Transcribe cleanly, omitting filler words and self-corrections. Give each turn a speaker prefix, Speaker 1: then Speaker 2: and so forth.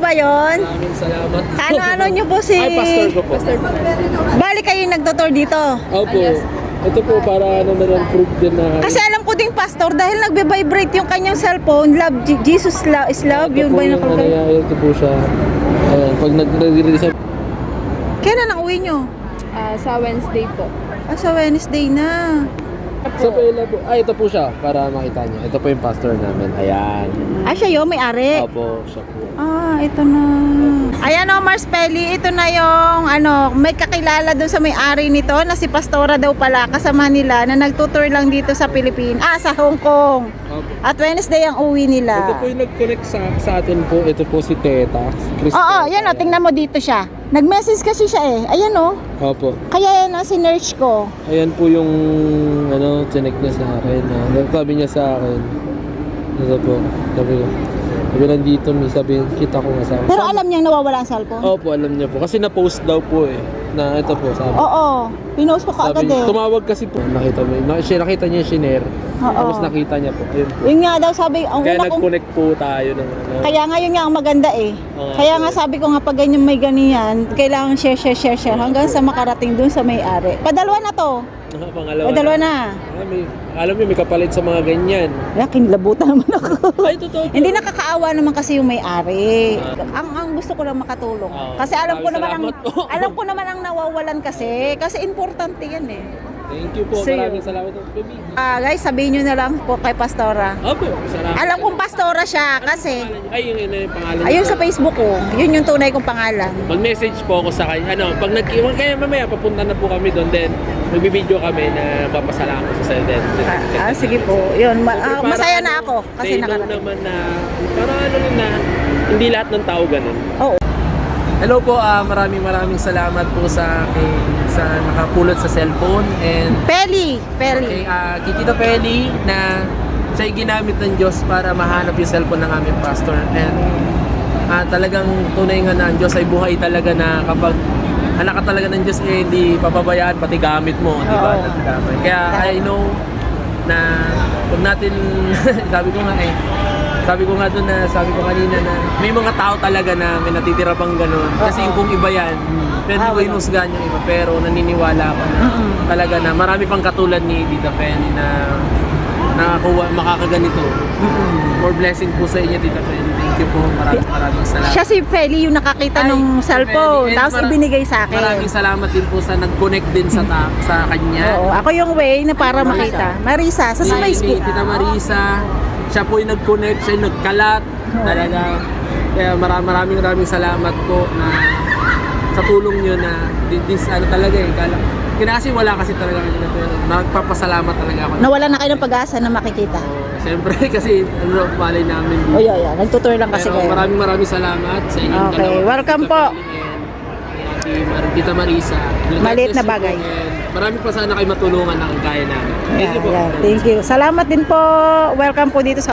Speaker 1: ba yon?
Speaker 2: Maraming salamat.
Speaker 1: Ano nyo po si...
Speaker 2: Ay, pastor ko po.
Speaker 1: Bali kayo yung nagtutour dito.
Speaker 2: Opo. Ito po para ano na lang proof din na.
Speaker 1: Kasi alam ko ding pastor dahil nagbe-vibrate yung kanyang cellphone. Love, Jesus is love.
Speaker 2: Ito
Speaker 1: Yun
Speaker 2: po
Speaker 1: ba yung
Speaker 2: yung ano
Speaker 1: nakalagay?
Speaker 2: niya, ito po siya. Ayan, pag nag-release siya.
Speaker 1: Kailan ang uwi nyo?
Speaker 3: Sa Wednesday po.
Speaker 1: Sa Wednesday na.
Speaker 2: Sa pela po. Ito po siya para makita niyo. Ito po yung pastor namin. Ayan.
Speaker 1: Siya yun, may-ari.
Speaker 2: Opo, siya po.
Speaker 1: Ito na. Ayan o, Mars Pelli, ito na yung may kakilala doon sa may-ari nito na si Pastora daw pala, kasama nila na nagtutour lang dito sa Pilipinas, sa Hong Kong.
Speaker 2: Opo.
Speaker 1: At Wednesday ang uwi
Speaker 2: Ito
Speaker 1: nila.
Speaker 2: po yung nag-connect sa atin po. Ito po si Teta.
Speaker 1: Oo, yan o, tingnan mo dito siya. Nag-message kasi siya eh. Ayan o.
Speaker 2: Opo.
Speaker 1: Kaya yan ang sinerch ko.
Speaker 2: Ayan po yung connect niya sa akin. Sabi niya sa akin. Ito po. Sabi nandito, may sabi, kita ko nga sa akin.
Speaker 1: Pero alam niyang nawawala ang cellphone?
Speaker 2: Opo, alam niya po. Kasi na-post daw po eh. Na ito po, sabi.
Speaker 1: Oo, pinost ko kaagad eh.
Speaker 2: Tumawag kasi po. Nakita niya yung shiner.
Speaker 1: Oo.
Speaker 2: Tapos nakita niya po. Yun po.
Speaker 1: Yun nga daw sabi, ang
Speaker 2: Kaya
Speaker 1: una kong...
Speaker 2: nag-connect po tayo ng ano.
Speaker 1: Kaya nga yun nga ang maganda eh.
Speaker 2: Oo.
Speaker 1: Kaya nga sabi ko nga pag ganyan may ganyan, kailangan share hanggang sa makarating dun sa may-ari. Padalwa na to.
Speaker 2: Pangalawa.
Speaker 1: Padalwa na.
Speaker 2: Alam mo, may kapalit sa mga ganyan.
Speaker 1: Kaya kinilabutan naman ako.
Speaker 2: Ay, totoo po.
Speaker 1: Hindi nakakaawa naman kasi yung may-ari. Ang gusto ko lang makatulong. Kasi alam ko naman ang nawawalan kasi importante yan eh.
Speaker 2: Thank you po.
Speaker 1: So,
Speaker 2: Maraming salamat po.
Speaker 1: Guys, sabihin nyo na lang po kay Pastora.
Speaker 2: Opo, salamat.
Speaker 1: Alam kong Pastora siya kasi
Speaker 2: Ay, yun yung pangalan.
Speaker 1: ayun sa Facebook ko, yun yung tunay kong pangalan.
Speaker 2: Mag-message po ako sa kanya. Pag kaya mamaya papunta na po kami doon, then magbibideo kami na papasalamat sa sa'yo.
Speaker 1: Sige po. Yun, masaya na ako kasi nakarating.
Speaker 2: naman na, para na, hindi lahat ng tao ganun.
Speaker 1: Oo.
Speaker 2: Hello po, maraming salamat po sa nakapulot sa cellphone and
Speaker 1: Peli.
Speaker 2: kay Tita Peli na siya'y ginamit ng Diyos para mahanap yung cellphone ng aming pastor. And talagang tunay nga na ang Diyos ay buhay talaga na kapag anak ka talaga ng Diyos hindi papabayaan pati gamit mo, di ba?
Speaker 1: Oo.
Speaker 2: Kaya I know na huwag natin sabi ko nga doon sabi ko kanina na may mga tao talaga na may natitira pang ganun. Kasi yung kung iba yan, pwede ko inusgahan yung iba, pero naniniwala ako na talaga na marami pang katulad ni Tita Penny na makakaganito. More blessing po sa inyo, Tita Penny. Thank you po. Maraming salamat.
Speaker 1: Siya si Feli yung nakakita nung cellphone, tapos ibinigay sa akin.
Speaker 2: Maraming salamat din po sa nag-connect din sa kanya.
Speaker 1: Oo, ako yung way na para makita. Marisa, sa Facebook.
Speaker 2: Tita Marisa, siya po yung nag-connect, siya yung nagkalat. Talaga. Kaya maraming salamat po na sa tulong nyo na talaga eh. Kasi wala kasi talaga kanina, pero nagpapasalamat talaga ako.
Speaker 1: Nawala na kayo ng pag-asa na makikita.
Speaker 2: Siyempre kasi malay namin.
Speaker 1: Nagtutour lang kasi
Speaker 2: pero
Speaker 1: kayo.
Speaker 2: maraming salamat sa inyong
Speaker 1: Okay,
Speaker 2: dalawa.
Speaker 1: welcome po.
Speaker 2: Tita Marisa.
Speaker 1: Maliit na bagay.
Speaker 2: Marami pa sana kayo matulungan ng kaya namin. Thank you po.
Speaker 1: Thank you. Salamat din po. Welcome po dito sa